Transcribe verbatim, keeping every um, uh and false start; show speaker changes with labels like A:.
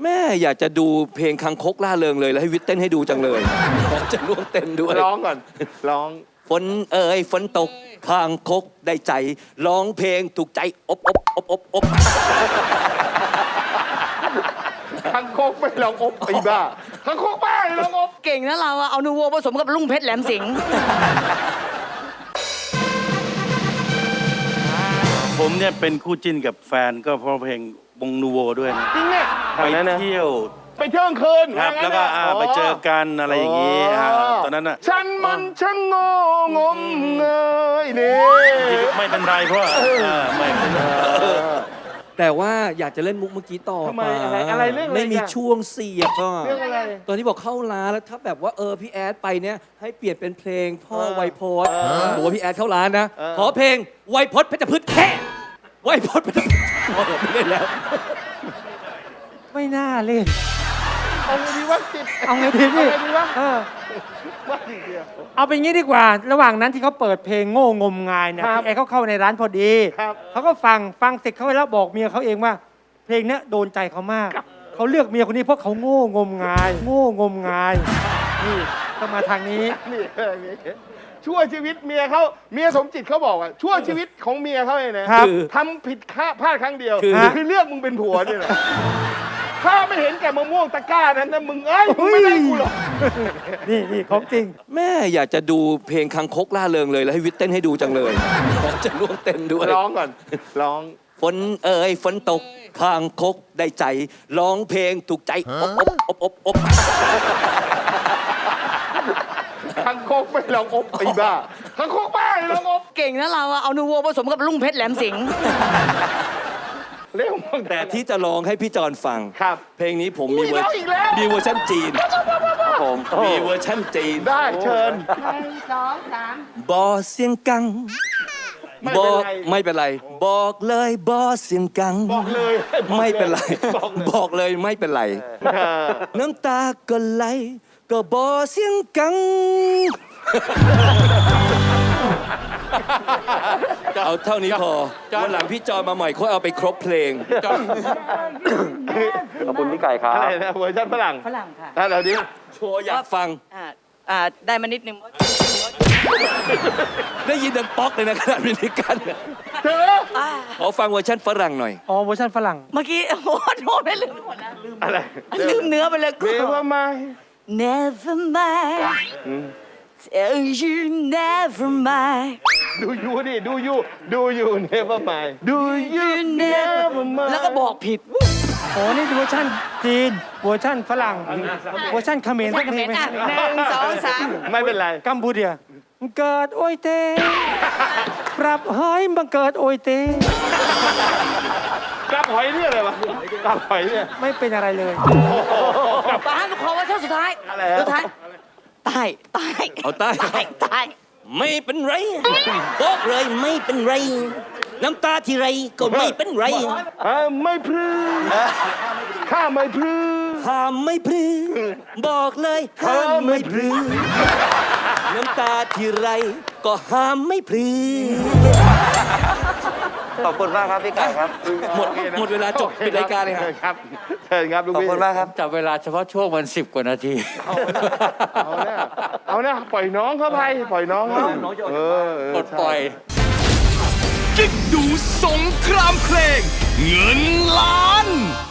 A: แม่อยากจะดูเพลงคังคกล่าเริงเลยแล้วให้วิทย์เต้นให้ดูจังเลยจะร่วมเต้นด้วย
B: ร้องก่อนร้อง
A: ฝนเอ่ยฝนตกคังคกได้ใจร้องเพลงถูกใจอบอบอบอบอบ
B: คังคกไม่ร้องอบไอ้บ้าคังคกบ้าร้องอบ
C: เก่งนะเราอะเอานูโวผสมกับลุงเพชรแหลมสิงห์
D: ผมเนี่ยเป็นคู่จิ้นกับแฟนก็เพราะเพลงวงนูโวด้วยนะ
B: จริงเนี่ย
D: ไปเที่ยว
B: ไปเที่ยวคืน
D: ครับแล้วก็ไปเจอกันอะไรอย่างนี้ตอนนั้นน่ะ
B: ฉันมันช่างโง่งมเงยนี่
D: ไม่เป็นไรเพราะไม่เป็นไร
A: แต่ว่าอยากจะเล่นมุกเมื่อกี้ต่อไป
B: อะไรเรื่องอะไร
A: ไม่มีช่วงเสียบก็
B: เรื่องอะไร
A: ตอนที่บอกเข้าร้านแล้วถ้าแบบว่าเออพี่แอดไปเนี่ยให้เปลี่ยนเป็นเพลงพ่อไวยพจน์บอกว่าพี่แอดเข้าร้านนะขอเพลงไวยพจน์เพชรพฤกษ์แค่ไวยพจน์เพชรพฤกษ์ไม่เล่นแล้ว
E: ไม่น่าเล่น
B: เอาไงดีวะจิต
E: เอาไงดีพี่เออเอาเป็นงี้ดีกว่าระหว่างนั้นที่เขาเปิดเพลงโง่งมงายเนี่ยพี่แอดเขาเข้าในร้านพอดีเขาก็ฟังฟังเสร็จเขาแล้วบอกเมียเขาเองว่าเพลงนี้โดนใจเขามากเขาเลือกเมียคนนี้เพราะเขาโง่งมงายโง่งมงายนี่ต้องมาทางนี้
B: นี่ชั่วชีวิตเมียเขาเมียสมจิตเขาบอกว่าชั่วชีวิตของเมียเขาเองนะทำผิดพลาดครั้งเดียวคือเลือกมึงเป็นผัวนี่แหละถ้าไม่เห็นแก่มะม่วงตะกร้านั้นนะมึงเอ้ยไม่ได้กูหรอก
E: นี่นี่ของจริง
A: แม่อยากจะดูเพลงคังคกล่าเริงเลยแล้วให้วิทย์เต้นให้ดูจังเลยจะร่วมเต้นด้วย
B: ร้องก่อนร้อง
A: ฝนเอ่ยฝนตกคังคกได้ใจร้องเพลงถูกใจอบอบอบอบอบ
B: คังคกไม่ร้องอบไอ้บ้าคังคกบ้าร้องอบ
C: เก่งนะเราอะเอานูโวผสมกับลุงเพชรแหลมสิงห์
B: เร็ว
A: แต่ที่จะร้องให้พี่จอนฟัง
B: ครับ
A: เพลงนี้ผมมีเวอร์มีเวอร์ชันจีนผมมีเวอร์ชันจีน
B: ได้เชิญ
C: หนึ่งสองสาม
A: บอเสียงกังบอกไม่เป็นไรบอกเลยบอเสียงกัง
B: บอกเลย
A: ไม่เป็นไรบอกเลยไม่เป็นไรน้ำตาก็ไหลก็บอเสียงกังเอาเท่านี้พอวันหลังพี่จอยมาใหม่ค่อยเอาไปครบเพลง
D: ขอบคุณพี่ไก่ครับ
B: อะไรนะเวอร์ชันฝรั่ง
C: ฝรั่งค่ะ
B: ถ้าเราดิ
A: โชว์อยากฟัง
C: อ่าอ่าได้มานิดนึง
A: ได้ยินดังป๊อกเลยนะขนาดมินิกัน
B: เธอ
A: ขอฟังเวอร์ชันฝรั่งหน่อย
E: อ๋อเวอร์ชันฝรั่ง
C: เมื่อกี้โอ้โหโดนไม่ลืมหมดนะลืม
B: อะไร
C: ลืมเนื้อไปเลย
B: กู Never mind
C: Never mind Tell you never mind
B: ดูยูดิดูยูดูยู never mind ดูยู never mind
C: แล้วก็บอกผิด
E: โอ้นี่เวอร์ชันจีนเวอร์ชันฝรั่งเวอร์ชันเขมร
C: เขมรอ่ะหนึ่งสองสาม
B: ไม่เป็นไร
E: กัมพูเดียเกิดโอยเตปรับหอยบังเกิดโอยเต
B: กลับหอยเนี่ยอะไรวะกลับหอยเนี่ย
E: ไม่เป็นอะไรเลย
C: ป้าขอว่าช่วงสุดท้าย
B: อะไร
C: สุดท้ายตายตาย
A: เอาตาย
C: ตายตาย
A: ไม่เป็นไรบอกเลยไม่เป็นไรน้ำตาที่ไรก็ไม่เป็นไร
B: ไม่พลื้ข้าไม่พลื้
A: ห้ามไม่พลื้บอกเลยห้ามไม่พลื้น้ำตาที่ไรก็ห้ามไม่พลื้
D: ขอบคุณมากครับพี่ไก่ครับ
A: หมดหมดเวลาจบปิดรายการเลย
B: ครับเชิญครับ
D: ขอบคุณมากครับ
E: จับเวลาเฉพาะช่วงวันสิบกว่านาที
B: เอาเนี่ยเอาเนี่ยปล่อยน้องเขาไปปล่อยน้องเขาเออ
E: ปลดปล่อย
F: กิ๊กดูสงครามเพลงเงินล้าน